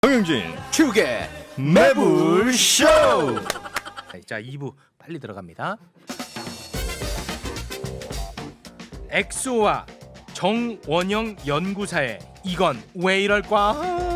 정영진 축의 매불쇼. 자 2부 빨리 들어갑니다. 엑소와 정원영 연구사의 이건 왜 이럴까?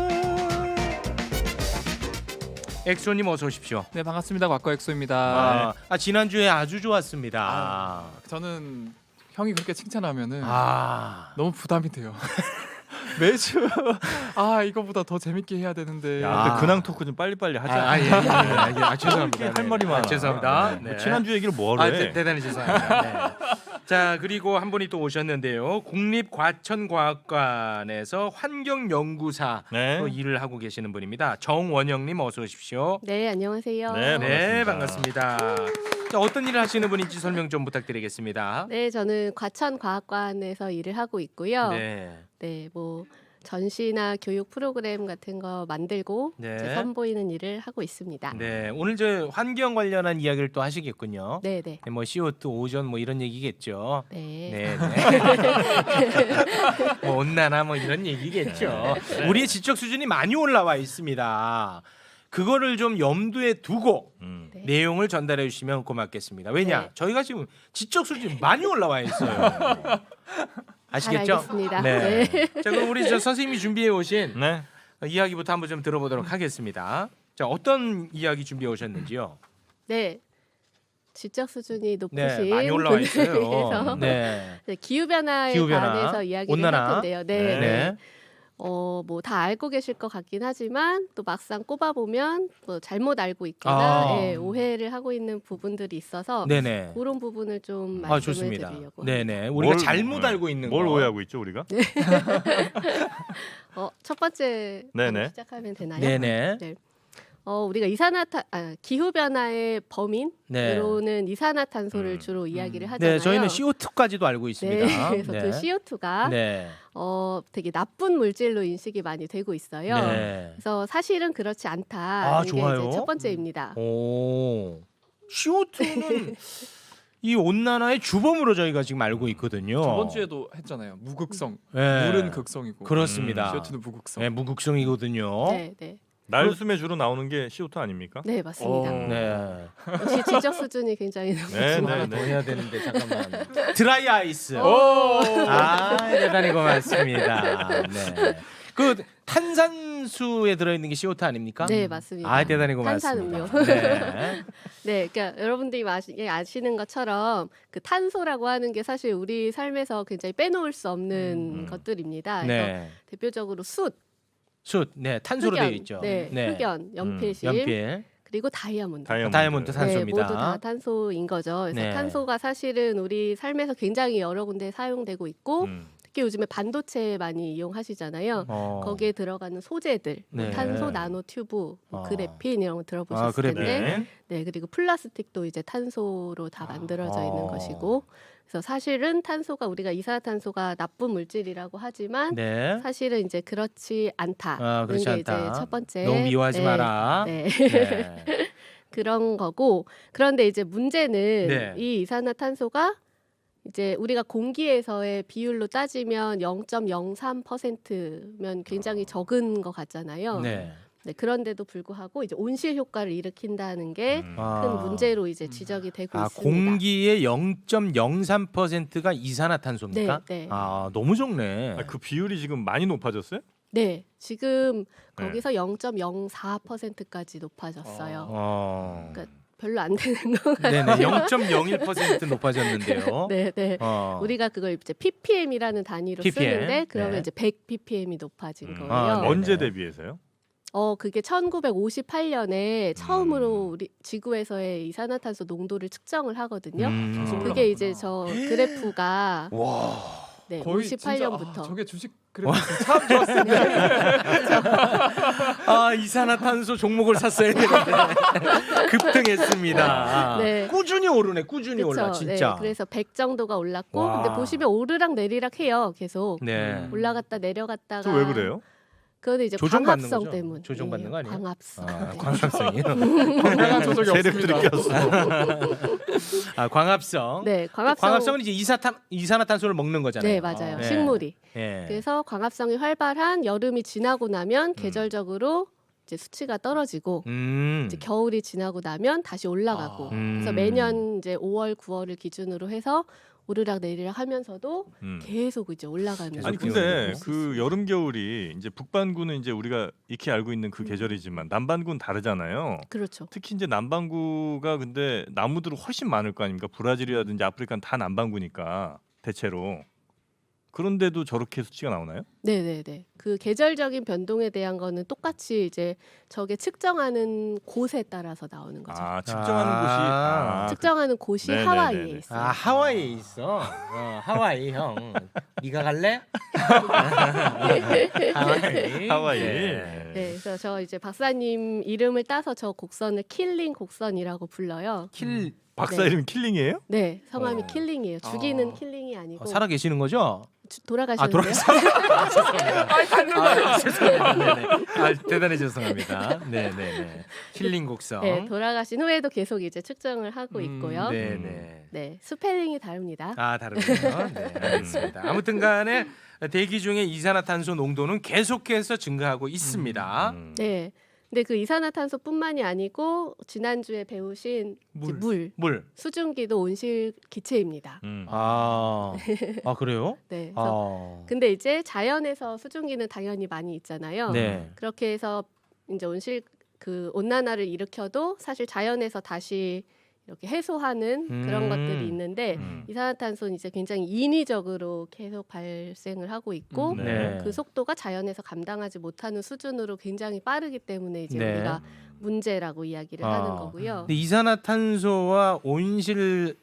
엑소님 어서 오십시오. 네, 반갑습니다. 곽거 엑소입니다. 지난주에 아주 좋았습니다. 저는 형이 그렇게 칭찬하면은 아 너무 부담이 돼요. 매주 이거보다 더 재밌게 해야 되는데. 야, 근데 근황 토크 좀 빨리빨리 하자. 죄송합니다. 할 말이 많아. 죄송합니다. 뭐 지난주 얘기를 뭐하러 해? 대단히 죄송합니다. 네. 자 그리고 한 분이 또 오셨는데요. 국립과천과학관에서 환경연구사 네. 또 일을 하고 계시는 분입니다. 정원영님 어서 오십시오. 네, 안녕하세요. 네, 반갑습니다. 자, 어떤 일을 하시는 분인지 설명 좀 부탁드리겠습니다. 네, 저는 과천과학관에서 일을 하고 있고요. 네. 뭐 전시나 교육 프로그램 같은 거 만들고 네. 이제 선보이는 일을 하고 있습니다. 네, 오늘 저 환경 관련한 이야기를 또 하시겠군요. 네, 네. 뭐 CO2 오존 뭐 이런 얘기겠죠. 네. 네. 뭐 온난화 뭐 이런 얘기겠죠. 우리의 지적 수준이 많이 올라와 있습니다. 그거를 좀 염두에 두고 네. 내용을 전달해 주시면 고맙겠습니다. 왜냐? 네. 저희가 지금 지적 수준이 많이 올라와 있어요. 아시겠죠? 잘 알겠습니다. 네. 자, 그럼 우리 저 선생님이 준비해 오신 네. 이야기부터 한번 좀 들어보도록 하겠습니다. 자, 어떤 이야기 준비해 오셨는지요? 네. 지적 수준이 높으신 네, 많이 올라와 분들을 있어요. 위해서 네. 네, 기후변화에 기후변화, 관해서 이야기를 온난화. 할 텐데요. 네. 네. 네. 뭐 다 알고 계실 것 같긴 하지만 또 막상 꼽아 보면 뭐 잘못 알고 있거나 아. 오해를 하고 있는 부분들이 있어서 네네. 그런 부분을 좀 말씀을 좋습니다. 드리려고. 네네. 우리가 뭘, 잘못 네. 알고 있는 뭘 거. 오해하고 있죠 우리가? 첫 번째 네네. 시작하면 되나요? 네네. 네. 우리가 기후 변화의 범인으로는 네. 이산화탄소를 주로 이야기를 하잖아요. 네, 저희는 CO2까지도 알고 있습니다. 네, 그래서 그 CO2가 네. 되게 나쁜 물질로 인식이 많이 되고 있어요. 네. 그래서 사실은 그렇지 않다. 이게 좋아요. 이제 첫 번째입니다. 오. CO2는 이 온난화의 주범으로 저희가 지금 알고 있거든요. 저번 주에도 했잖아요. 무극성. 네. 물은 극성이고. 그렇습니다. CO2는 무극성. 네, 무극성이거든요. 네, 네. 날숨에 주로 나오는 게 CO2 아닙니까? 네, 맞습니다. 네. 역시 지적 수준이 굉장히 네, 높으시네요. 하나 더 해야 되는데 잠깐만. 드라이 아이스. 오! 대단히 고맙습니다. 네. 그 탄산수에 들어있는 게 CO2 아닙니까? 네, 맞습니다. 대단히 고맙습니다. 탄산음료. 네. 네, 그러니까 여러분들이 아시는 것처럼 그 탄소라고 하는 게 사실 우리 삶에서 굉장히 빼놓을 수 없는 것들입니다. 그래서 네. 대표적으로 숯, 네, 탄소로 되어 있죠. 네, 흑연, 연필심, 연필, 그리고 다이아몬드. 다이아몬드 탄소입니다. 네, 모두 다 탄소인 거죠. 그래서 네. 탄소가 사실은 우리 삶에서 굉장히 여러 군데 사용되고 있고 특히 요즘에 반도체 많이 이용하시잖아요. 거기에 들어가는 소재들, 네. 탄소 나노 튜브, 그래핀 이런 거 들어보셨을 그래핀. 텐데, 네, 그리고 플라스틱도 이제 탄소로 다 만들어져 있는 것이고, 그래서 사실은 탄소가 우리가 이산화탄소가 나쁜 물질이라고 하지만 네. 사실은 이제 그렇지 않다. 그렇지 그런 게 않다. 이제 첫 번째. 너무 미워하지 네. 마라. 네. 네. 그런 거고, 그런데 이제 문제는 네. 이 이산화탄소가 이제 우리가 공기에서의 비율로 따지면 0.03%면 굉장히 적은 것 같잖아요. 네. 네, 그런데도 불구하고 이제 온실 효과를 일으킨다는 게 큰 문제로 이제 지적이 되고 있습니다. 공기의 0.03%가 이산화탄소입니까? 네, 네. 너무 적네. 그 비율이 지금 많이 높아졌어요? 네, 지금 네. 거기서 0.04%까지 높아졌어요. 그러니까 별로 안 되는 거. 네네, 0.01% 높아졌는데요. 네, 네. 우리가 그걸 이제 ppm이라는 단위로 ppm. 쓰는데 그러면 네. 이제 100 ppm이 높아진 거예요. 네. 언제 대비해서요? 그게 1958년에 처음으로 우리 지구에서의 이산화탄소 농도를 측정을 하거든요. 그게 이제 저 그래프가 네, 거의 58년부터 진짜, 저게 주식 그래프 참 좋았습니다. 이산화탄소 종목을 샀어야 되는데 급등했습니다. 네. 꾸준히 오르네, 꾸준히 그쵸? 올라, 진짜. 네, 그래서 100 정도가 올랐고 와. 근데 보시면 오르락 내리락 해요. 계속 네. 올라갔다 내려갔다가. 저 왜 그래요? 그거는 이제 조정받는 광합성 거죠? 때문. 조정받는 거 아니에요? 광합성. 네. 광합성이요? 건강한 조절이 세력들이 없습니다. 꼈어. 광합성. 네, 광합성은 이제 이산화탄소를 먹는 거잖아요. 네, 맞아요. 네. 식물이. 네. 그래서 광합성이 활발한 여름이 지나고 나면 계절적으로 이제 수치가 떨어지고 음. 이제 겨울이 지나고 나면 다시 올라가고 음. 그래서 매년 이제 5월, 9월을 기준으로 해서 오르락 내리락 하면서도 계속 이제 올라가는. 계속 아니 기온이 근데 오르고. 그 여름 겨울이 이제 북반구는 이제 우리가 익히 알고 있는 그 계절이지만 남반구는 다르잖아요. 그렇죠. 특히 이제 남반구가 근데 나무들은 훨씬 많을 거 아닙니까? 브라질이라든지 아프리카는 다 남반구니까 대체로. 그런데도 저렇게 수치가 나오나요? 네네네. 그 계절적인 변동에 대한 거는 똑같이 이제 저게 측정하는 곳에 따라서 나오는 거죠. 아 측정하는 아. 곳이 아, 측정하는 곳이 네네네네. 하와이에 있어요. 아 하와이에 있어. 하와이 형. 네가 갈래? 하와이. 하와이. 네. 네, 그래서 저 이제 박사님 이름을 따서 저 곡선을 킬링 곡선이라고 불러요. 킬 박사 네. 이름 킬링이에요? 네, 성함이 어. 킬링이에요. 죽이는 킬링이 아니고 살아 계시는 거죠? 돌아가셨는데요. 죄송합니다. 네네. 대단히 죄송합니다. 네네네. 킬링 곡성. 네, 돌아가신 후에도 계속 이제 측정을 하고 있고요. 네. 네네. 스펠링이 다릅니다. 아 다르군요. 네, 알겠습니다. 아무튼간에 대기 중에 이산화탄소 농도는 계속해서 증가하고 있습니다. 네. 근데 그 이산화탄소뿐만이 아니고 지난주에 배우신 이제 물, 수증기도 온실 기체입니다. 아 그래요? 네. 그래서 근데 이제 자연에서 수증기는 당연히 많이 있잖아요. 네. 그렇게 해서 이제 온실 그 온난화를 일으켜도 사실 자연에서 다시 이렇게 해소하는 그런 것들이 있는데 이산화탄소는 이제 굉장히 인위적으로 계속 발생을 하고 있고 네. 그 속도가 자연에서 감당하지 못하는 수준으로 굉장히 빠르기 때문에 이제 네. 우리가 문제라고 이야기를 하는 거고요. 근데 이산화탄소와 온실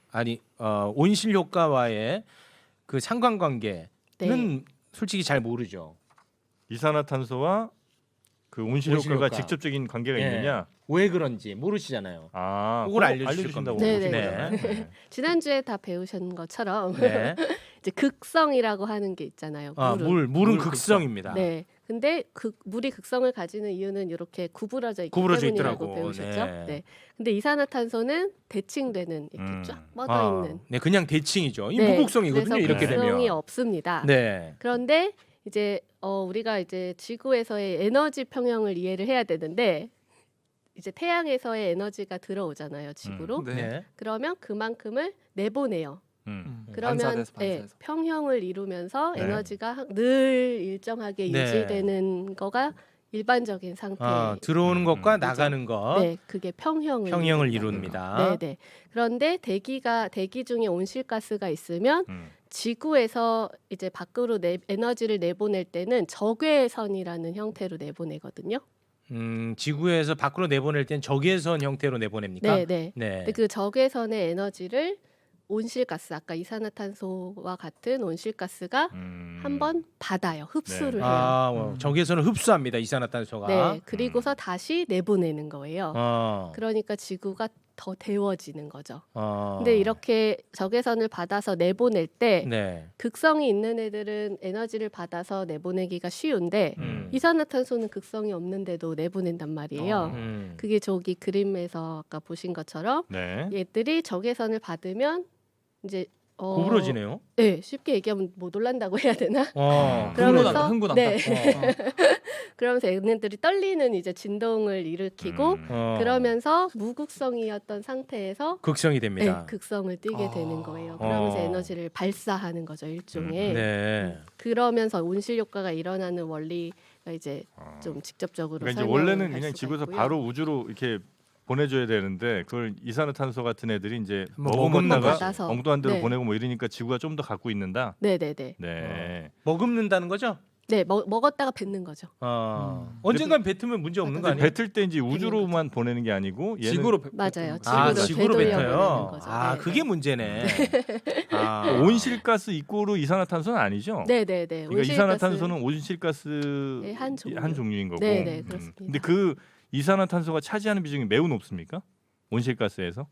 효과와의 그 상관관계는 네. 솔직히 잘 모르죠. 이산화탄소와 그 온실 온실 효과가 효과. 직접적인 관계가 예. 있느냐? 왜 그런지 모르시잖아요. 아, 그걸 그거 알려주실 알려주신다고 겁니다. 보신 네네. 거잖아요. 네. 지난주에 다 배우신 것처럼 네. 이제 극성이라고 하는 게 있잖아요. 물은. 물은 극성입니다. 네. 근데 그 물이 극성을 가지는 이유는 이렇게 구부러져 있기 구부러져 때문이라고 있더라고. 배우셨죠. 네. 네. 근데 이산화탄소는 대칭되는 이렇게 쫙 뻗어 있는. 네, 그냥 대칭이죠. 이 네. 무극성이거든요. 그래서 이렇게 극성이 되면. 없습니다. 네. 그런데 이제 우리가 이제 지구에서의 에너지 평형을 이해를 해야 되는데 이제 태양에서의 에너지가 들어오잖아요, 지구로. 네. 그러면 그만큼을 내보내요. 그러면 반사돼서, 예, 반사해서. 평형을 이루면서 네. 에너지가 늘 일정하게 네. 유지되는 거가 일반적인 상태. 들어오는 것과 그렇죠. 나가는 것 네, 그게 평형을 평형을 이룬다. 이룹니다. 네, 네. 그런데 대기 중에 온실가스가 있으면 지구에서 이제 밖으로 에너지를 내보낼 때는 적외선이라는 형태로 내보내거든요. 지구에서 밖으로 내보낼 땐 적외선 형태로 내보냅니까? 네, 네. 네. 근데 그 적외선의 에너지를 온실가스 아까 이산화탄소와 같은 온실가스가 한번 받아요. 흡수를 네. 해요. 적외선을 흡수합니다. 이산화탄소가. 네, 그리고서 다시 내보내는 거예요. 어. 그러니까 지구가 더 데워지는 거죠. 어. 근데 이렇게 적외선을 받아서 내보낼 때 네. 극성이 있는 애들은 에너지를 받아서 내보내기가 쉬운데 이산화탄소는 극성이 없는데도 내보낸단 말이에요. 그게 저기 그림에서 아까 보신 것처럼 네. 얘들이 적외선을 받으면 이제 구부러지네요. 네, 쉽게 얘기하면 못 올란다고 해야 되나? 흥분한다, 흥분한다. 네. 그러면서 얘네들이 떨리는 이제 진동을 일으키고 그러면서 무극성이었던 상태에서 극성이 됩니다. 네, 극성을 띠게 되는 거예요. 그러면서 에너지를 발사하는 거죠, 일종의. 네. 그러면서 온실 효과가 일어나는 원리가 이제 좀 직접적으로 그러니까 이제 설명을 원래는 할 그냥 수가 지구에서 있고요. 바로 우주로 이렇게 보내줘야 되는데 그걸 이산화탄소 같은 애들이 이제 먹으면 먹었다가 받아서. 엉뚱한 데로 네. 보내고 뭐 이러니까 지구가 좀 더 갖고 있는다. 네네네. 네. 머금는다는 거죠? 네, 먹었다가 뱉는 거죠. 언젠간 뱉으면 문제 없는 거 근데 아니에요? 뱉을 때 이제 우주로만 보내는 게 아니고 얘는 지구로 맞아요. 지구로 되돌려 뱉어요. 보내는 거죠. 아, 네, 그게 네. 문제네. 온실가스 이꼬르 이산화탄소는 아니죠. 네네네. 그러니까 이산화탄소는 온실가스의 네, 한 종류. 한 종류인 거고. 네네, 그렇습니다. 근데 그 이산화탄소가 차지하는 비중이 매우 높습니까? 온실가스에서?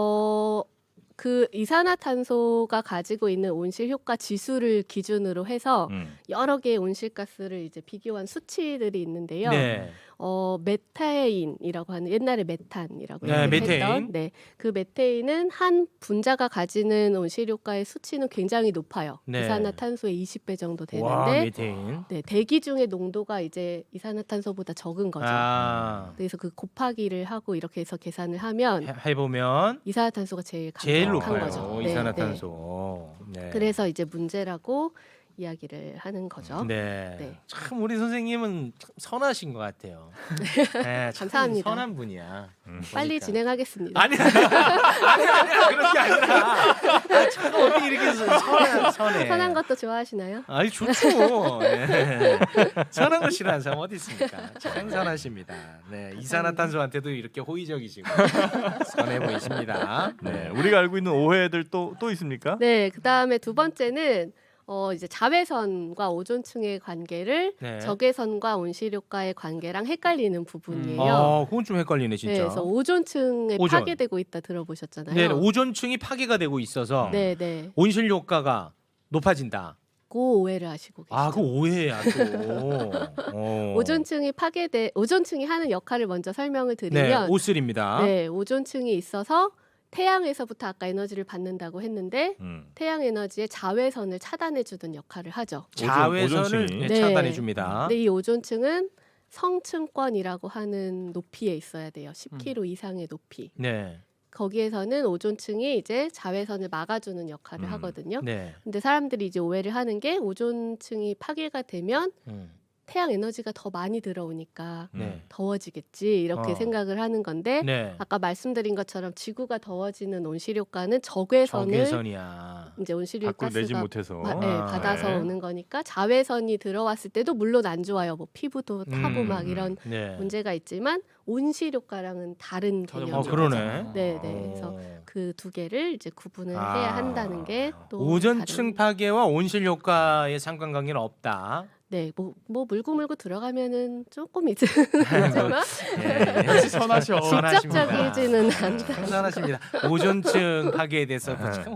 그 이산화탄소가 가지고 있는 온실 효과 지수를 기준으로 해서 여러 개의 온실가스를 이제 비교한 수치들이 있는데요. 네. 메테인이라고 하는 옛날에 메탄이라고 네, 메테인. 했던 그 메테인은 한 분자가 가지는 온실효과의 수치는 굉장히 높아요. 네. 이산화탄소의 20배 정도 와, 되는데 메테인. 대기 중의 농도가 이제 이산화탄소보다 적은 거죠. 그래서 그 곱하기를 하고 이렇게 해서 계산을 하면 해보면 이산화탄소가 제일 제일 강력한 높아요. 거죠. 이산화탄소. 네. 그래서 이제 문제라고 이야기를 하는 거죠. 네. 네. 참 우리 선생님은 참 선하신 것 같아요. 네, 참 감사합니다. 선한 분이야. 빨리 보니까. 진행하겠습니다. 아니야 그런 게 아니라 참 어떻게 이렇게 선해. 선한 것도 좋아하시나요? 아니 좋죠. 네. 선한 거 싫어하는 사람 어디 있습니까? 참 선하십니다. 네, 이산화탄소한테도 이렇게 호의적이시고 선해 보이십니다. 네, 우리가 알고 있는 오해들 또 있습니까? 네, 그 다음에 두 번째는 이제 자외선과 오존층의 관계를 네. 적외선과 온실효과의 관계랑 헷갈리는 부분이에요. 그건 좀 헷갈리네 진짜. 네, 그래서 오존층에 오존. 파괴되고 있다 들어보셨잖아요. 네, 오존층이 파괴가 되고 있어서 네, 네. 온실 효과가 높아진다. 그 오해를 하시고 계시죠. 그 오해야 또. 오존층이 하는 역할을 먼저 설명을 네, 드리면 오슬입니다. 네, 오존층이 있어서 태양에서부터 아까 에너지를 받는다고 했는데 태양 에너지의 자외선을 차단해 주는 역할을 하죠. 자외선을 오존층이. 네. 차단해 줍니다. 근데 이 오존층은 성층권이라고 하는 높이에 있어야 돼요. 10km 이상의 높이. 네. 거기에서는 오존층이 이제 자외선을 막아주는 역할을 하거든요. 네. 근데 사람들이 이제 오해를 하는 게 오존층이 파괴가 되면 태양 에너지가 더 많이 들어오니까 네. 더워지겠지 이렇게 생각을 하는 건데 네. 아까 말씀드린 것처럼 지구가 더워지는 온실효과는 적외선을 적외선이야. 이제 온실효과 밖으로 내지 가스가 못해서. 받아서 네. 오는 거니까 자외선이 들어왔을 때도 물론 안 좋아요. 뭐 피부도 타고 막 이런 네. 문제가 있지만 온실효과랑은 다른 개념이죠. 그러네. 네, 네. 그래서 그 두 개를 이제 구분을 해야 한다는 게 또 오존층 파괴와 온실 효과의 상관관계는 없다. 네, 뭐 물고 들어가면은 조금 있지만 네. 역시 선하셔. 직접적이지는 않다. 참 선하십니다. 오존층 파괴에 대해서 참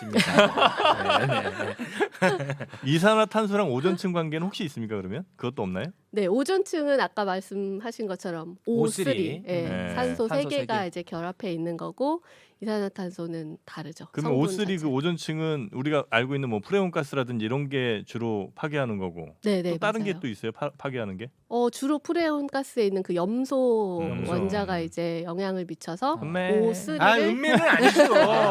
호의적이십니다. 네, 네. 이산화탄소랑 오존층 관계는 혹시 있습니까? 그러면 그것도 없나요? 네, 오존층은 아까 말씀하신 것처럼 O3. O3, 예, 네. 산소 산소 3개가 이제 결합해 있는 거고 이산화탄소는 다르죠. 그러면 성분 O3 자체. 그 오존층은 우리가 알고 있는 뭐 프레온 가스라든지 이런 게 주로 파괴하는 거고 네, 네, 또 다른 맞아요. 게 또 있어요? 파괴하는 게? 주로 프레온 가스에 있는 그 염소 염소. 원자가 이제 영향을 미쳐서 음메. O3를 은매는 아니죠.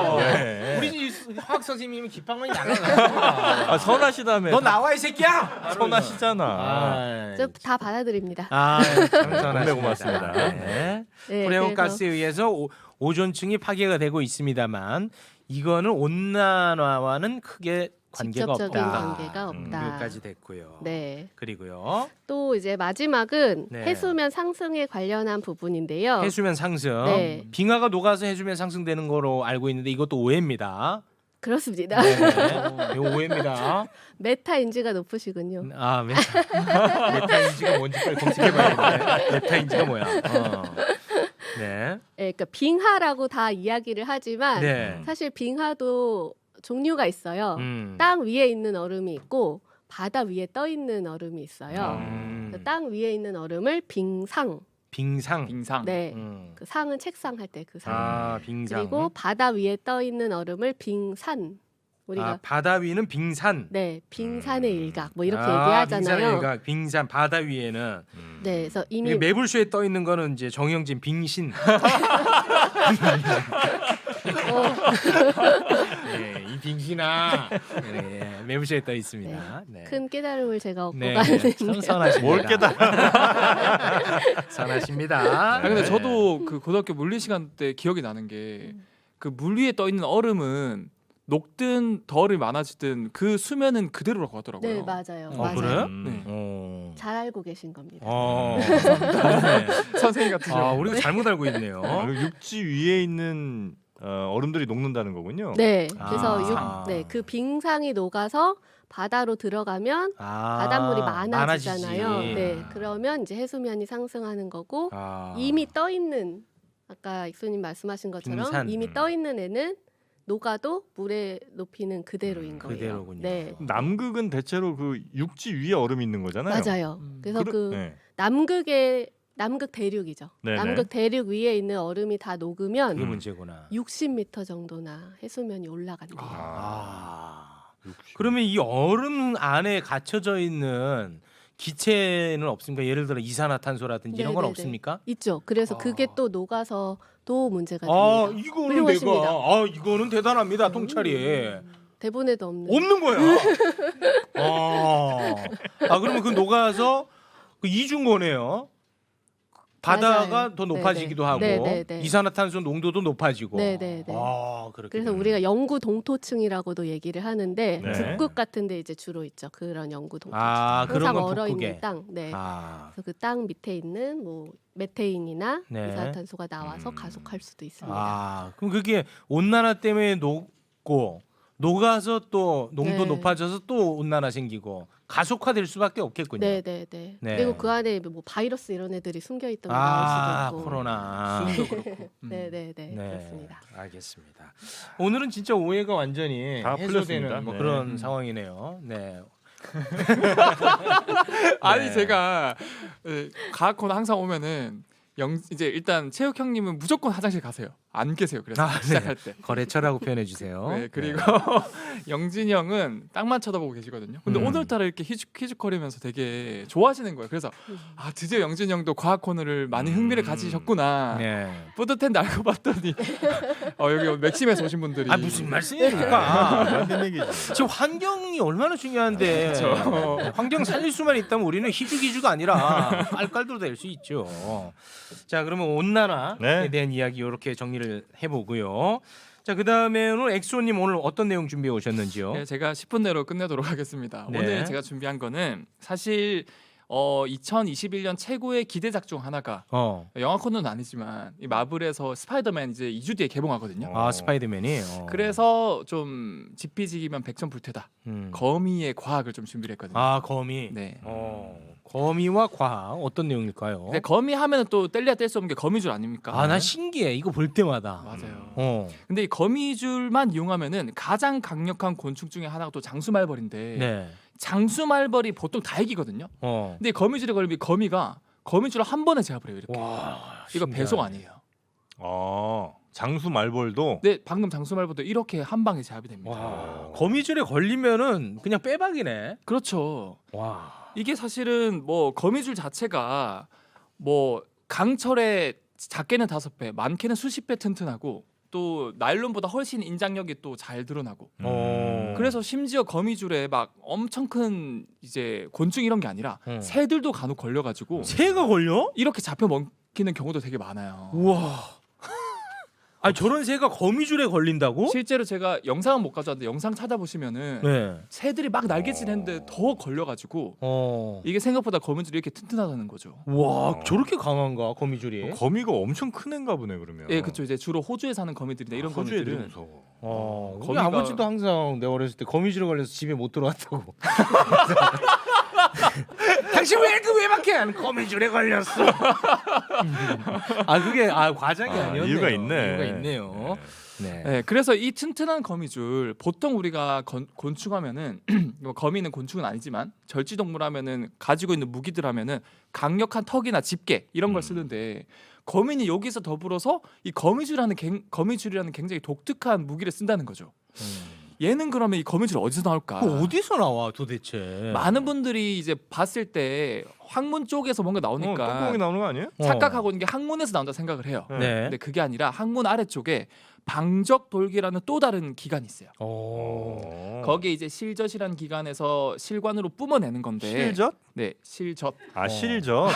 네. 우리 화학 선생님은 기빵만이 나가요. 아 선하시다며. 너 나와 이 새끼야. 선하시잖아. 다 받아들입니다. 참 선하십니다. 네, 고맙습니다. 네. 네, 프레온 그래서 가스에 의해서 오존층이 파괴가 되고 있습니다만 이거는 온난화와는 크게 관계가 직접적인 없다. 관계가 없다. 여기까지 됐고요. 네. 그리고요. 또 이제 마지막은 네. 해수면 상승에 관련한 부분인데요. 해수면 상승. 네. 빙하가 녹아서 해수면 상승되는 거로 알고 있는데 이것도 오해입니다. 그렇습니다. 네. 이거 오해입니다. 메타인지가 높으시군요. 메타인지가 뭔지 빨리 검색해봐야겠네. 메타인지가 뭐야? 네. 네, 그러니까 빙하라고 다 이야기를 하지만 네. 사실 빙하도 종류가 있어요. 음. 땅 위에 있는 얼음이 있고 바다 위에 떠 있는 얼음이 있어요. 음. 땅 위에 있는 얼음을 빙상. 빙상. 빙상. 네. 음. 그 상은 책상 할 때 그 상. 빙상. 그리고 바다 위에 떠 있는 얼음을 빙산. 우리가 바다 위는 빙산. 네, 빙산의 일각 뭐 이렇게 빙산의 얘기하잖아요. 일각. 빙산 바다 위에는 네, 그래서 이미 이게 매불쇼에 떠 있는 거는 이제 정영진 빙신. 네, 이 빙신아. 네, 매불쇼에 떠 있습니다. 네. 큰 깨달음을 제가 얻고 네, 가는데 참 선하십니다. 뭘 깨달아? 선하십니다. 근데 네. 저도 그 고등학교 물리 시간 때 기억이 나는 게 그 물 위에 떠 있는 얼음은 녹든 덜이 많아지든 그 수면은 그대로라고 하더라고요. 네, 맞아요. 어, 맞아요. 그래? 네. 잘 알고 계신 겁니다. 네. 선생님 같으셔. 우리가 잘못 알고 있네요. 그리고 육지 위에 있는 얼음들이 녹는다는 거군요. 네, 그래서 아. 그 빙상이 녹아서 바다로 들어가면 바닷물이 많아지잖아요. 많아지지. 네, 그러면 이제 해수면이 상승하는 거고 아. 이미 떠 있는 아까 익수님 말씀하신 것처럼 빙산. 이미 떠 있는 애는 녹아도 물의 높이는 그대로인 거예요. 그대로군요. 네, 남극은 대체로 그 육지 위에 얼음이 있는 거잖아요. 맞아요. 그래서 그 네. 남극의 남극 대륙이죠. 네네. 남극 대륙 위에 있는 얼음이 다 녹으면 그게 문제구나. 60m 정도나 해수면이 올라간대요. 그러면 이 얼음 안에 갇혀져 있는 기체는 없습니까? 예를 들어 이산화탄소라든지 이런 건 네네네. 없습니까? 있죠. 그래서 아. 그게 또 녹아서 또 문제가 아, 됩니다. 이거는 훌륭하십니다. 내가 이거는 대단합니다. 통찰이. 대본에도 없는. 없는 거야. 그러면 그 녹아서 그 이중 거네요. 바다가 맞아요. 더 높아지기도 네네. 하고 네네네. 이산화탄소 농도도 높아지고. 네네네. 그렇게. 그래서 우리가 영구 동토층이라고도 얘기를 하는데 네. 북극 같은데 이제 주로 있죠. 그런 영구 동토층. 그런 항상 건 얼어 북극에. 있는 땅. 네. 아, 그래서 그 땅 밑에 있는 뭐 메테인이나 네. 이산화탄소가 나와서 가속할 수도 있습니다. 그럼 그게 온난화 때문에 녹고 녹아서 또 농도 네. 높아져서 또 온난화 생기고 가속화될 수밖에 없겠군요. 네네네. 네. 그리고 그 안에 뭐 바이러스 이런 애들이 숨겨 있던 게 나올 수도 있고. 코로나. 수도 그렇고. 네네네. 네, 그렇습니다. 알겠습니다. 오늘은 진짜 오해가 완전히 다 해소되는 풀렸습니다. 뭐 네. 그런 상황이네요. 네. 아니 네. 제가 과학 코너 항상 오면은 이제 일단 체육 형님은 무조건 화장실 가세요. 안 계세요. 그래서 네. 시작할 때. 거래처라고 표현해 주세요. 네, 그리고 영진이 형은 땅만 쳐다보고 계시거든요. 근데 오늘따라 이렇게 희죽희죽거리면서 되게 좋아하시는 거예요. 그래서 드디어 영진이 형도 과학 코너를 많이 흥미를 가지셨구나. 네. 뿌듯했는데 알고 봤더니 여기 맥심에서 오신 분들이 무슨 말씀입니까? 맞는 얘기지. 지금 환경이 얼마나 중요한데 그렇죠. 환경 살릴 수만 있다면 우리는 희죽희죽 아니라 깔깔도 될 수 있죠. 자, 그러면 온난화에 네. 대한 이야기 이렇게 정리를 해보고요. 자, 그다음에 오늘 엑소님 오늘 어떤 내용 준비해 오셨는지요? 네, 제가 10분 내로 끝내도록 하겠습니다. 네. 오늘 제가 준비한 거는 사실 2021년 최고의 기대작 중 하나가 영화 코너는 아니지만 이 마블에서 스파이더맨 이제 2주 뒤에 개봉하거든요. 스파이더맨이. 그래서 좀 지피지기면 백전불태다. 거미의 과학을 좀 준비를 했거든요. 거미. 네. 거미와 과학 어떤 내용일까요? 근데 거미 하면은 또 뗄래야 뗄 수 없는 게 거미줄 아닙니까? 난 신기해. 이거 볼 때마다. 맞아요. 근데 이 거미줄만 이용하면은 가장 강력한 곤충 중에 하나가 또 장수말벌인데 네. 장수말벌이 보통 다 이기거든요. 근데 이 거미줄에 걸리면 이 거미가 거미줄을 한 번에 제압을 해요. 이렇게. 와, 이거 신기하네. 배송 아니에요. 장수 말벌도 네, 방금 장수말벌도 이렇게 한 방에 제압이 됩니다. 와, 거미줄에 걸리면은 그냥 빼박이네. 그렇죠. 와. 이게 사실은 뭐 거미줄 자체가 뭐 강철의 작게는 5배, 많게는 수십 배 튼튼하고 또 나일론보다 훨씬 인장력이 또 잘 드러나고. 그래서 심지어 거미줄에 막 엄청 큰 이제 곤충 이런 게 아니라 새들도 간혹 걸려가지고 새가 걸려? 이렇게 잡혀 먹히는 경우도 되게 많아요. 우와. 저런 새가 거미줄에 걸린다고? 실제로 제가 영상은 못 가져왔는데 영상 찾아보시면은 네. 새들이 막 날개질했는데 더 걸려가지고 이게 생각보다 거미줄이 이렇게 튼튼하다는 거죠. 와, 저렇게 강한가 거미줄이? 거미가 엄청 큰 애인가 보네 그러면. 예, 그렇죠. 이제 주로 호주에 사는 거미들이나 이런 호주 애들이 거미들은 무서워. 우리 아버지도 항상 내가 어렸을 때 거미줄에 걸려서 집에 못 들어왔다고. 당신 왜 그 외박해? 안 거미줄에 걸렸어. 그게 과장이 아니었네요. 이유가 있네. 이유가 있네요. 네. 네, 그래서 이 튼튼한 거미줄 보통 우리가 곤충하면은 뭐 거미는 곤충은 아니지만 절지동물 하면은 가지고 있는 무기들 하면은 강력한 턱이나 집게 이런 걸 쓰는데 거미는 여기서 더불어서 이 거미줄이라는 굉장히 독특한 무기를 쓴다는 거죠. 얘는 그러면 이 거미줄 어디서 나올까? 어디서 나와 도대체? 많은 분들이 이제 봤을 때 항문 쪽에서 뭔가 나오니까 똥구멍이 나오는 거 아니에요? 착각하고 있는 게 항문에서 나온다 생각을 해요. 네. 근데 그게 아니라 항문 아래쪽에 방적돌기라는 또 다른 기관이 있어요. 거기에 이제 실젖이라는 기관에서 실관으로 뿜어내는 건데. 실젖? 네, 실젖. 실젖.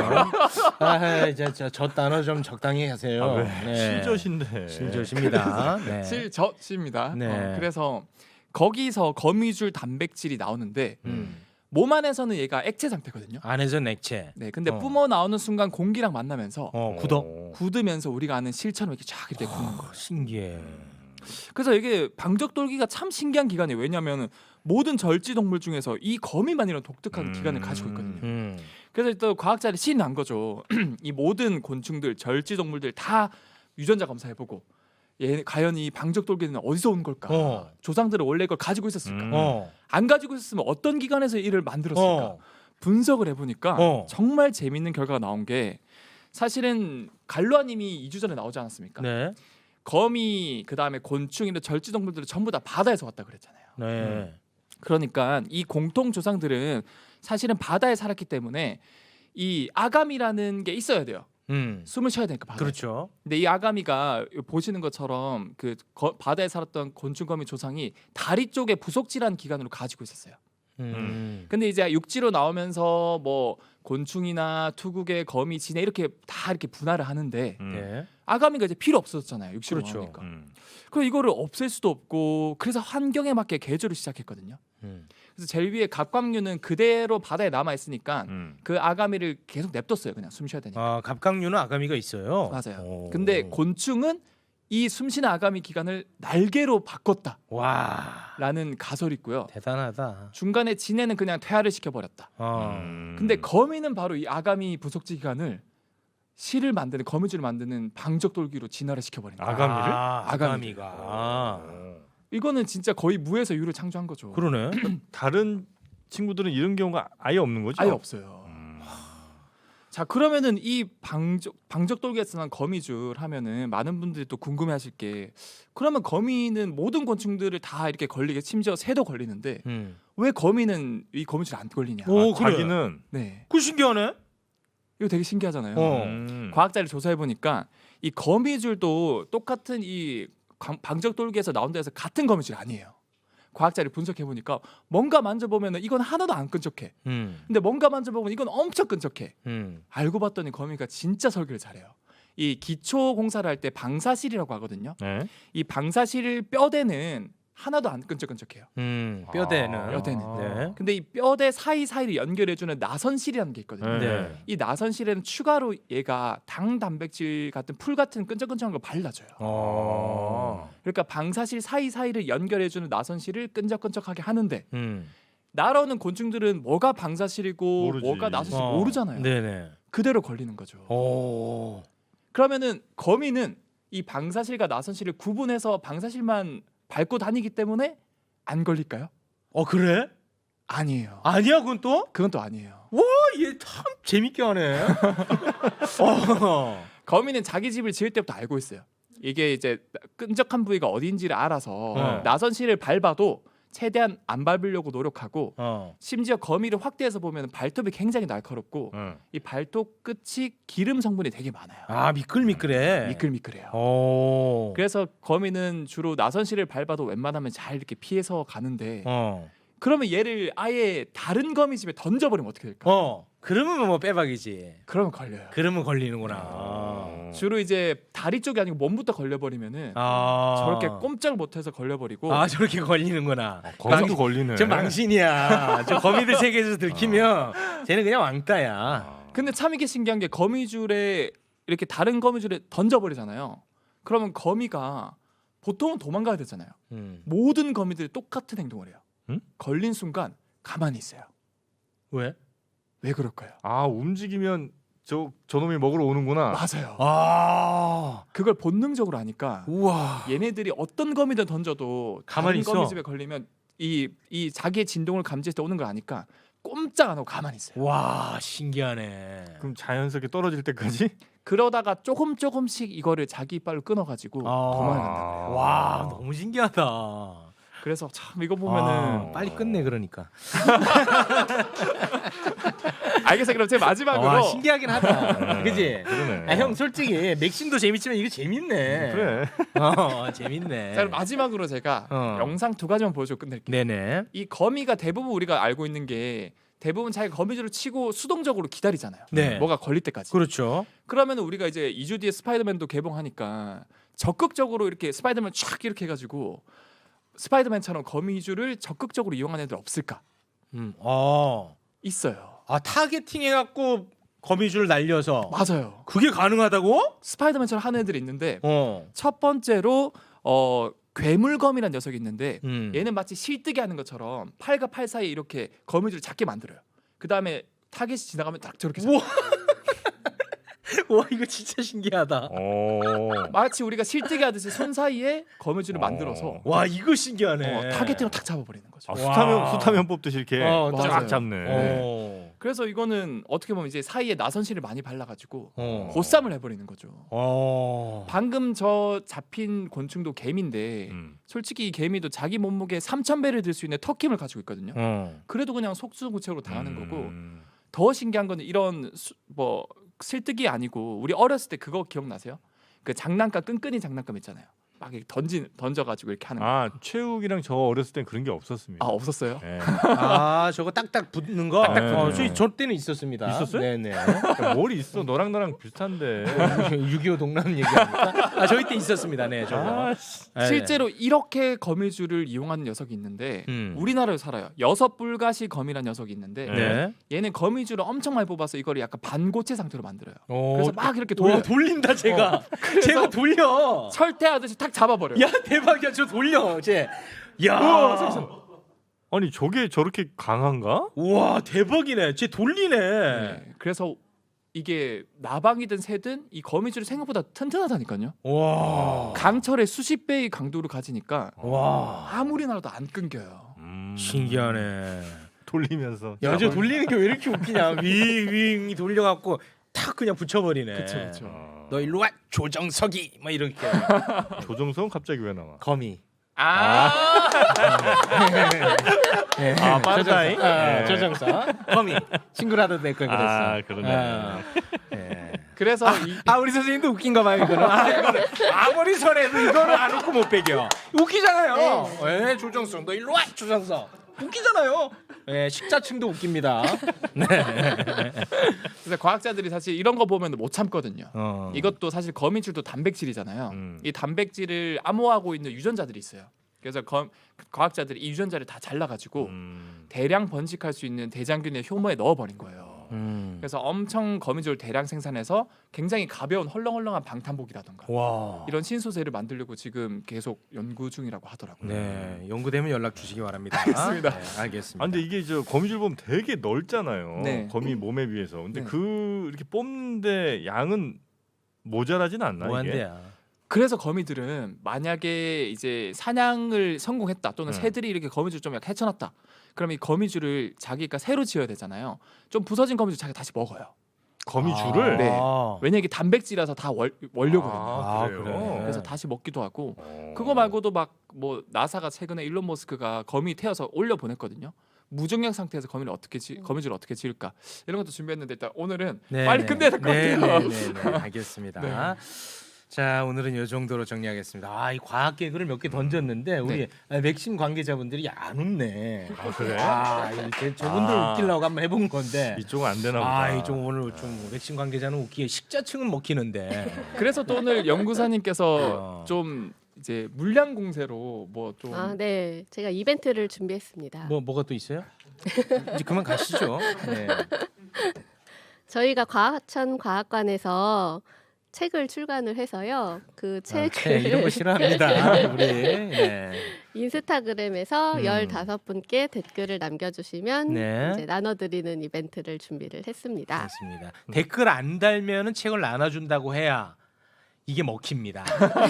저 단어 좀 적당히 하세요. 실젖인데. 실젖입니다. 네. 실젖입니다. 네. 그래서 거기서 거미줄 단백질이 나오는데 몸 안에서는 얘가 액체 상태거든요. 안에서 액체. 네, 근데 뿜어 나오는 순간 공기랑 만나면서 굳으면서 우리가 아는 실처럼 이렇게 쫙 이렇게 굳는 거예요. 신기해. 그래서 이게 방적돌기가 참 신기한 기관이에요. 왜냐하면 모든 절지 동물 중에서 이 거미만 이런 독특한 기관을 가지고 있거든요. 그래서 또 과학자들이 신이 난 거죠. 이 모든 곤충들, 절지 동물들 다 유전자 검사해보고 과연 이 방적돌기는 어디서 온 걸까? 조상들은 원래 이걸 가지고 있었을까? 안 가지고 있었으면 어떤 기관에서 이를 만들었을까? 분석을 해보니까 정말 재밌는 결과가 나온 게 사실은 갈로아님이 2주 전에 나오지 않았습니까? 네. 거미 그다음에 곤충이나 절지동물들은 전부 다 바다에서 왔다 그랬잖아요. 네. 그러니까 이 공통 조상들은 사실은 바다에 살았기 때문에 이 아가미라는 게 있어야 돼요. 숨을 쉬어야 되니까 바다에. 그렇죠. 근데 이 아가미가 보시는 것처럼 그 바다에 살았던 곤충거미 조상이 다리 쪽에 부속질환 기관으로 가지고 있었어요. 근데 이제 육지로 나오면서 뭐 곤충이나 투구개, 거미, 진해 이렇게 다 이렇게 분할을 하는데 네. 아가미가 이제 필요 없어졌잖아요. 육지로 그렇죠. 나오니까. 그럼 이거를 없앨 수도 없고 그래서 환경에 맞게 개조를 시작했거든요. 그래서 제일 위에 갑각류는 그대로 바다에 남아 있으니까 그 아가미를 계속 냅뒀어요. 그냥 숨 쉬어야 되니까. 아, 갑각류는 아가미가 있어요. 맞아요. 오. 근데 곤충은 이 숨쉬는 아가미 기관을 날개로 바꿨다라는 와, 가설이 있고요. 대단하다. 중간에 진해는 그냥 퇴화를 시켜버렸다. 근데 거미는 바로 이 아가미 부속지 기관을 실을 만드는 거미줄을 만드는 방적돌기로 진화를 시켜버린 거예요. 아가미를? 아가미가. 이거는 진짜 거의 무에서 유를 창조한 거죠. 그러네. 다른 친구들은 이런 경우가 아예 없는 거죠? 아예 없어요. 자 그러면은 이 방적돌기에서 난 거미줄 하면은 많은 분들이 또 궁금해하실 게 그러면 거미는 모든 곤충들을 다 이렇게 걸리게 심지어 새도 걸리는데 왜 거미는 이 거미줄 안 걸리냐? 오, 그래. 자기는 네, 그 신기하네. 이거 되게 신기하잖아요. 어. 과학자를 조사해 보니까 이 거미줄도 똑같은 이 방적돌기에서 나온 데에서 같은 거미줄 아니에요. 과학자를 분석해 보니까 뭔가 만져보면은 이건 하나도 안 끈적해. 근데 뭔가 만져보면 이건 엄청 끈적해. 알고 봤더니 거미가 진짜 설계를 잘해요. 이 기초 공사를 할 때 방사실이라고 하거든요. 네. 이 방사실 뼈대는 하나도 안 끈적끈적해요. 뼈대는. 뼈대는. 네. 근데 이 뼈대 사이사이를 연결해주는 나선실이라는 게 있거든요. 네. 이 나선실에는 추가로 얘가 당 단백질 같은 풀 같은 끈적끈적한 걸 발라줘요. 그러니까 방사실 사이사이를 연결해주는 나선실을 끈적끈적하게 하는데 날아오는 곤충들은 뭐가 방사실이고 모르지. 뭐가 나선실 모르잖아요. 네네. 그대로 걸리는 거죠. 오. 그러면은 거미는 이 방사실과 나선실을 구분해서 방사실만 밟고 다니기 때문에 안 걸릴까요? 그래? 아니에요. 아니야, 그건 또? 그건 또 아니에요. 얘 참 재밌게 하네. 거미는 자기 집을 지을 때부터 알고 있어요. 이게 이제 끈적한 부위가 어디인지를 알아서 나선실을 밟아도 최대한 안 밟으려고 노력하고 심지어 거미를 확대해서 보면 발톱이 굉장히 날카롭고 이 발톱 끝이 기름 성분이 되게 많아요. 아, 미끌미끌해. 미끌미끌해요. 오. 그래서 거미는 주로 나선실을 밟아도 웬만하면 잘 이렇게 피해서 가는데 그러면 얘를 아예 다른 거미 집에 던져버리면 어떻게 될까? 그러면 뭐 빼박이지. 그러면 걸려요. 그러면 걸리는구나. 주로 이제 다리 쪽이 아니고 몸부터 걸려버리면은 저렇게 꼼짝 못해서 걸려버리고 저렇게 걸리는구나. 거기도 걸리네. 저 망신이야. 저 거미들 세계에서 들키면 쟤는 그냥 왕따야. 근데 참 이게 신기한 게 거미줄에 이렇게 다른 거미줄에 던져버리잖아요. 그러면 거미가 보통은 도망가야 되잖아요. 모든 거미들이 똑같은 행동을 해요. 걸린 순간 가만히 있어요. 왜? 왜 그럴까요? 움직이면 저놈이 먹으러 오는구나. 맞아요. 그걸 본능적으로 아니까 우와. 얘네들이 어떤 거미든 던져도 가만히 다른 있어. 거미집에 걸리면 이 자기의 진동을 감지해서 오는 걸 아니까 꼼짝 안 하고 가만히 있어요. 와, 신기하네. 그럼 자연스럽게 떨어질 때까지? 그러다가 조금씩 이거를 자기 이빨로 끊어가지고 도망간다. 와, 너무 신기하다. 그래서 참 이거 보면은 빨리 끝내 그러니까. 알겠어요. 그럼 제 마지막으로 와, 신기하긴 하다. 그지? 그러네. 형 솔직히 맥심도 재밌지만 이거 재밌네. 그래. 재밌네. 자, 그럼 마지막으로 제가 영상 두 가지만 보여주고 끝낼게요. 네네. 이 거미가 대부분 우리가 알고 있는 게 대부분 자기가 거미줄을 치고 수동적으로 기다리잖아요. 네. 뭐가 걸릴 때까지. 그렇죠. 그러면 우리가 이제 2주 뒤에 스파이더맨도 개봉하니까 적극적으로 이렇게 스파이더맨 촥 이렇게 해가지고 스파이더맨처럼 거미줄을 적극적으로 이용하는 애들 없을까? 있어요. 타겟팅 해갖고 거미줄 날려서. 맞아요. 그게 가능하다고? 스파이더맨처럼 하는 애들이 있는데 어. 첫 번째로 괴물검이라는 녀석이 있는데 얘는 얘는 마치 실뜨기 하는 것처럼 팔과 팔 사이에 이렇게 거미줄을 작게 만들어요. 그 다음에 타겟이 지나가면 딱 저렇게 우와. 와, 이거 진짜 신기하다. 마치 우리가 실뜨기 하듯이 손 사이에 거미줄을 만들어서 와, 이거 신기하네. 타겟팅을 탁 잡아버리는 거죠. 수타면 뽑듯이 이렇게 맞아요. 쫙 잡네. 그래서 이거는 어떻게 보면 이제 사이에 나선실을 많이 발라가지고 어. 보쌈을 해버리는 거죠. 어. 방금 저 잡힌 곤충도 개미인데 솔직히 이 개미도 자기 몸무게 3,000배를 들 수 있는 턱힘을 가지고 있거든요. 그래도 그냥 속수무책으로 당하는 거고 더 신기한 거는 이런 뭐 실뜨기 아니고 우리 어렸을 때 그거 기억나세요? 그 장난감 끈끈이 장난감 있잖아요. 막 이렇게 던져가지고 이렇게 하는 거. 아 최욱이랑 저 어렸을 땐 그런 게 없었습니다. 아 없었어요? 네. 아 저거 딱딱 붙는 거. 딱딱 붙는 거. 저 때는 있었습니다. 있었어요? 네네. 뭘 있어? 너랑 나랑 비슷한데. 6.25 동남 얘기합니까? 아 저희 때 있었습니다. 네 저거. 아, 네. 실제로 이렇게 거미줄을 이용하는 녀석이 있는데 우리나라에 살아요. 여섯불가시 거미라는 녀석이 있는데 네. 얘는 거미줄을 엄청 많이 뽑아서 이거를 약간 반고체 상태로 만들어요. 오, 그래서 막 이렇게 와, 돌려 돌린다 제가. 제가 돌려. 철퇴하듯이 탁 잡아버려요. 야 대박이야 저 돌려 쟤. 야. 아니 저게 저렇게 강한가? 우와 대박이네. 쟤 돌리네. 네, 그래서 이게 나방이든 새든 이 거미줄이 생각보다 튼튼하다니까요. 와. 강철의 수십 배의 강도를 가지니까 와. 아무리 나라도 안 끊겨요. 신기하네. 돌리면서. 야 저 돌리는 게 왜 이렇게 웃기냐. 윙 돌려갖고 탁 그냥 붙여버리네. 그렇죠. 너 일로 와 조정석이 막 이렇게. 조정석은 갑자기 왜 나와? 거미. 네. 아, 빠르다잉? 네. 조정석 거미 친구라도 될 걸 그랬어. 아 그러네. 네. 그래서 우리 선생님도 웃긴가 봐요 이거는. 이거는 아무리 설해도 이거는 안 웃고 못 배겨. 웃기잖아요. 네. 조정석 너 일로 와 조정석. 웃기잖아요. 네, 식자층도 웃깁니다. 그래서 과학자들이 사실 이런 거 보면 못 참거든요. 어. 이것도 사실 거미줄도 단백질이잖아요. 이 단백질을 암호하고 있는 유전자들이 있어요. 그래서 과학자들이 이 유전자를 다 잘라가지고 대량 번식할 수 있는 대장균의 효모에 넣어버린 거예요. 그래서 엄청 거미줄을 대량 생산해서 굉장히 가벼운 헐렁헐렁한 방탄복이라던가 와. 이런 신소재를 만들려고 지금 계속 연구 중이라고 하더라고요. 네, 연구되면 연락 주시기 바랍니다. 알겠습니다. 네, 알겠습니다. 아 근데 이게 저 거미줄 보면 되게 넓잖아요. 네. 거미 몸에 비해서. 근데 네. 그 이렇게 뽑는데 양은 모자라진 않나 이게? 뭐한대야? 그래서 거미들은 만약에 이제 사냥을 성공했다 또는 새들이 이렇게 거미줄 좀 약간 헤쳐놨다. 그럼 이 거미줄을 자기가 새로 지어야 되잖아요. 좀 부서진 거미줄 자기가 다시 먹어요. 거미줄을? 네. 왜냐 이게 단백질이라서 다 원료거든요. 아, 그래요? 그래. 그래서 다시 먹기도 하고 그거 말고도 막 뭐 나사가 최근에 일론 머스크가 거미 태워서 올려 보냈거든요. 무중력 상태에서 거미줄을 어떻게 지을까 이런 것도 준비했는데 일단 오늘은 빨리 끝내야 될 것 같아요. 네, 알겠습니다. 네. 자 오늘은 이 정도로 정리하겠습니다. 이 과학 개그를 몇 개 던졌는데 우리 맥심 관계자분들이 안 웃네. 아 그래? 저분들 아. 웃기려고 한번 해본 건데. 이쪽은 안 되나 보다. 이좀 오늘 좀 맥심 관계자는 웃기게 식자층은 먹히는데. 그래서 또 오늘 연구사님께서 좀 이제 물량 공세로 뭐 좀 네, 제가 이벤트를 준비했습니다. 뭐가 또 있어요? 이제 그만 가시죠. 네. 저희가 과천 과학관에서 책을 출간을 해서요. 그 책을 이런 거 싫어합니다. 우리. 네. 인스타그램에서 15분께 댓글을 남겨주시면 네. 이제 나눠드리는 이벤트를 준비를 했습니다. 그렇습니다. 댓글 안 달면은 책을 나눠준다고 해야 이게 먹힙니다.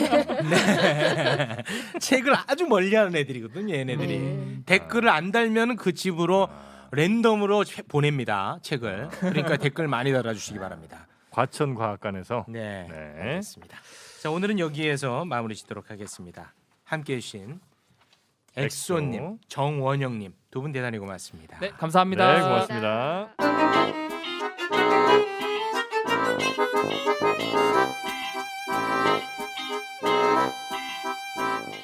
네. 책을 아주 멀리하는 애들이거든요. 얘네들이 댓글을 안 달면은 그 집으로 랜덤으로 보냅니다. 책을. 그러니까 댓글 많이 달아주시기 바랍니다. 과천과학관에서. 네, 네. 알겠습니다. 자 오늘은 여기에서 마무리 짓도록 하겠습니다. 함께해 주신 엑소님, 정원영님 두 분 대단히 고맙습니다. 네, 감사합니다. 네, 고맙습니다.